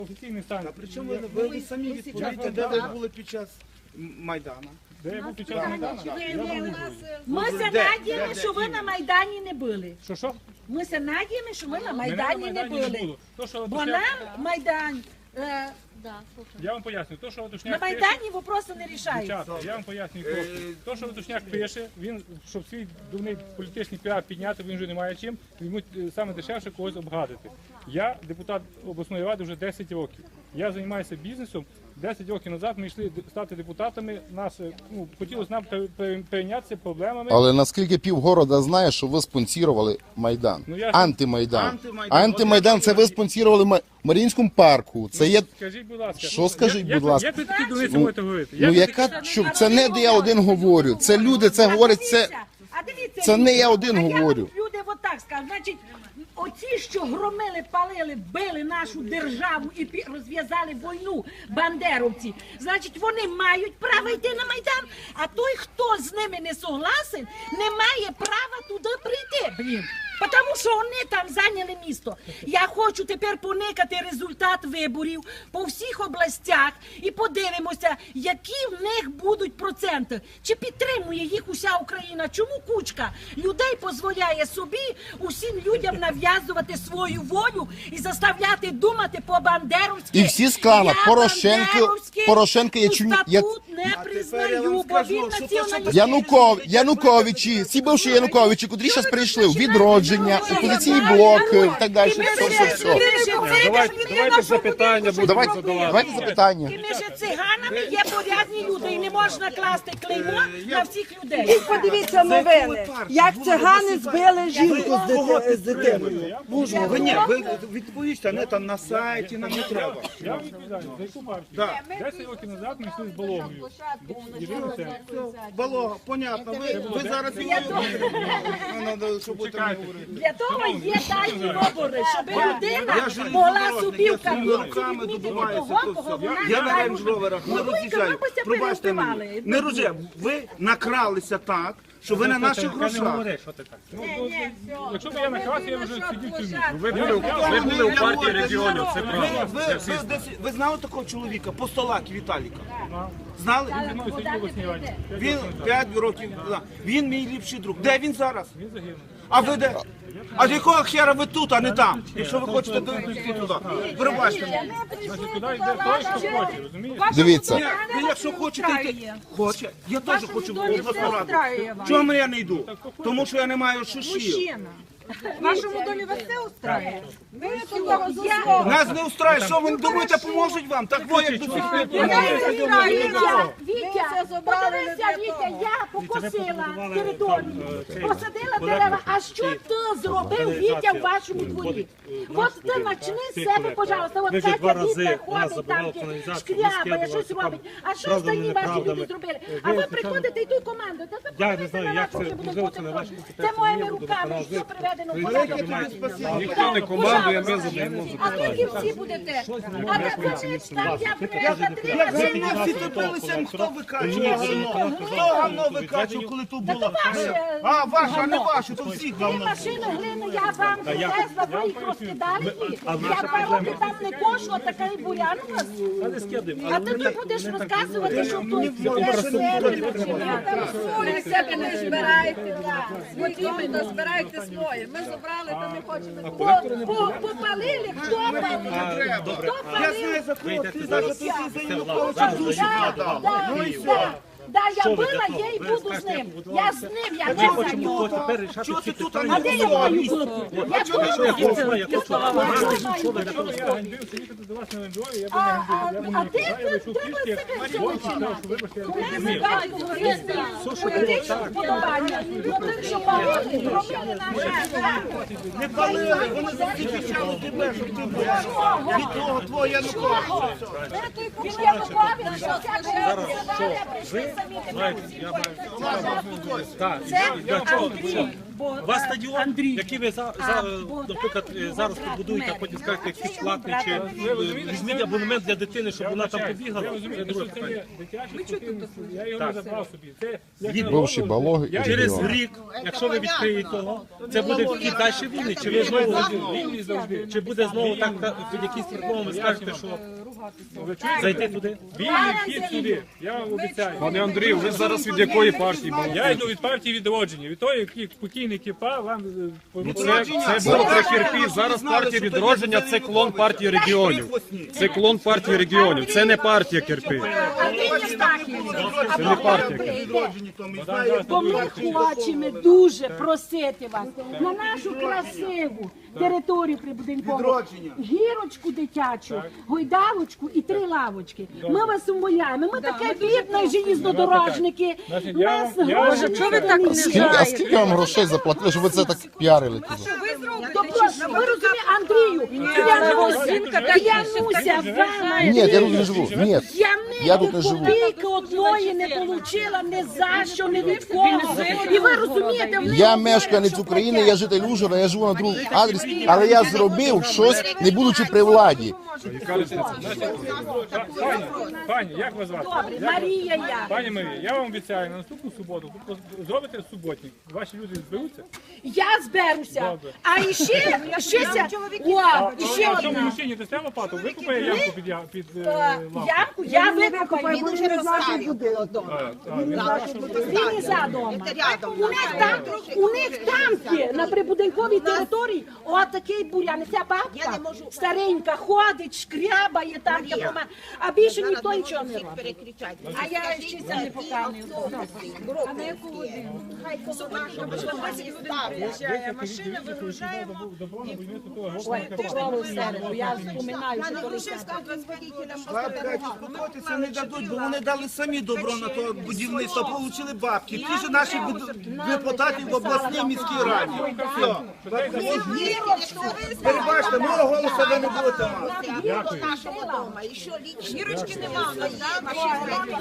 Офіційний стан. Причому ви самі відповідаєте, де ви були під час Майдану? Де я був під час Майдану? Ми се надіємо, що ви на Майдані не були. Що? Ми се надіємо, що ви на Мене Майдані не були. Бо нам Майдан, Я вам поясню. То, що на Латушняк пише, Майдані вопроси не рішаються. дівчата, я вам пояснюю просто. То, що Латушняк пише, він, щоб свій дурний політичний піар підняти, він вже не має чим, йому саме дешевше когось обгадити. Я депутат обласної ради вже 10 років. Я займаюся бізнесом. 10 років назад ми йшли стати депутатами, нас хотілося нам перейнятися проблемами. Але наскільки півгорода знає, що ви спонсорували Майдан, антимайдан. Антимайдан це ви спонсорували в Маріїнському парку. Це є... Скажіть, будь ласка. Що скажіть, будь ласка? Як ви такі дурниці можете говорити? Ну яка, це не де я один говорю, це люди, це говорять, це не я один говорю. Люди отак скажуть, значить, оці, що громили, палили, били нашу державу і розв'язали війну бандеровці, значить, вони мають право йти на Майдан, а той, хто з ними не согласен, не має права туди прийти, блін. Тому що вони там зайняли місто. Я хочу тепер поникати результат виборів по всіх областях і подивимося, які в них будуть проценти. Чи підтримує їх уся Україна? Чому кучка людей дозволяє собі усім людям нав'язувати свою волю і заставляти думати по-бандеровськи? І всі сказали, Порошенко є статут не признаю, бо він націоналіст. Януковичі, ці бивші Януковичі, котрі зараз прийшли у відродження, опозиційний блок і так далі. Все. Давайте запитання будемо задавати. Давайте запитання. І між циганами є порядні люди, і не можна класти клеймо на всіх людей. Подивіться новини, як цигани збили жінку з дитиною. Ви відповісте, не там на сайті, нам не треба. Я вам відповідаю, за яку партію? Да. 10 років назад ми йшли з Балогою. Балога, понятно, ви зараз щоб ви там не говорили. Для того є тайні вибори, щоб людина могла собі в кабінці відмітити того, кого вона Я на не рейндж-роверах не роз'їжджаю. Пробачте мені. Не роз'їжджаю. Ви накралися так, що ви на наших грошах. Якщо б я наказ, я вже сидів в тюрмі. Ви були у партії регіонів, це правда. Ви знали такого чоловіка, Постолаки Віталіка? Знали? Він 5 років. Він мій ліпший друг. Де він зараз? Він загинув. А ви де? А з якого хера ви тут, а не там? Якщо ви хочете дойти туди. Пробачте мені. Значить, туди йде той, хто хоче, розумієш? Дивіться. Ви якщо хочете йти, хоче. Я теж хочу в обласну раду. Чому я не йду? Тому що я не маю шишів. В вашому домі вас все устраює? Нас не устраює. Що ви думаєте, поможуть вам? Так ви як до цих пір. Вітя, подивися, Вітя, я покосила територію, посадила дерева. А що ти зробив, Вітя, в вашому дворі? От ти почни з себе, пожалуйста. От Катя Вітя ходить там, шкрябає, щось робить. А що останні ваші люди зробили? А ви приходите і ту команду. Я не знаю, як це можливо, це не ваші Це моїми руками, все приведено в порядок. Ніхто не командує, ми задаємо. А тільки всі будете. А на конець там я Як три ви всі топилися, хто викачував говно? Хто говно викачував, коли тут було? А, ваше, а не ваше, то всіх говно. машини глини я вам привезла, ви їх розкидали. Я 2 роки там не кошу, а такий бурян у вас. А ти тут будеш розказувати, що тут Солі себе не збирайте, потрібно збирайте своє. Ми забрали, та не хочемо. попалили, хто палив? Я знаю, за кого ти зараз ти за Януковича душу продав. Ну і все. Да, я була, я і буду з ним. Я з ним, я не за нього. Чого ти тут, А де я маю бути? Я тут. Якщо я ганьбився їхати до вас на Лендрові, я б не ганьбив. Я А б де не треба пішки, себе вибачте, Ми бачимо різні політичні вподобання. Тих, що палили, робили наші. Не палили, вони захищали тебе, щоб ти був. Від того твого Януковича. Він Янукович, що ця прийшли самі тебе усі. Це Андрій. Бо, У вас стадіон, Андрій. який ви наприклад, зараз побудуєте, а потім скажете, якийсь платний, чи візьміть абонемент для дитини, щоб вона там побігала. Я розумію, що це є дитячий спортивний клуб, я його не забрав собі. Це як Від- на Бивший голову, Балоги і я Через регіон. рік, якщо ви відкриєте його, це буде вхід далі вільний, чи ви знову вільний завжди. чи буде знову так під якісь приколами скажете, що Ви чуєте? зайти туди? Вільний вхід сюди, я вам обіцяю. Пане Андрію, ви зараз від якої партії були? Я йду від партії відродження, від того, який покійний Кіпа вам Це було при Кірпі, зараз партія відродження, це клон партії регіонів. Це клон партії регіонів, це не партія Кірпі. Андрій Євстахійович, Це не партія. Відроджені, то ми знаємо. бо ми хочемо дуже просити вас на нашу красиву територію прибудинкову, Відродження. гірочку дитячу, гойдалочку і 3 лавочки. Ми вас умоляємо. Ми таке бідне желізнодорожники. Значить, Нас я- гроші не А скільки вам грошей заплатили, щоб ви це так піарили тут? Тобто, ви розумієте, Андрію, клянуся вами. Ні, я тут не живу. Ні. Я тут не живу. Копійки одної не отримала, ні за що, ні від кого. І ви розумієте, в них Я говорять, мешканець що України, таке. я житель Ужгорода, я живу на другому адресі, але я зробив щось, не будучи при владі. Пані, як вас звати? Добре, Марія я. Пані Марія, я вам обіцяю, на наступну суботу ви зробите суботник. Ваші люди зберуться. Я зберуся. Добре. А іще А цьому одна. мужчині дасте лопату, викупає ямку під лампу. Ямку я викопаю. Він уже розставив Він і за дома. У них там є, на прибудинковій території, отакий бурян. Ця бабка старенька ходить, шкрябає там, а більше ніхто нічого не робить. А я ще це не показую. А на яку годину? Добро на будівництво того Ой, гопника. попробуй в середу, я вспоминаю, що коли Бабка, успокойтеся не дадуть, бо вони дали самі добро на то будівництво, отримали бабки. Ті ж наші депутати в обласній міській раді. Все. Перебачте, мого голосу ви не будете мати. Нашого дома. І що, лічно? Гірочки немає.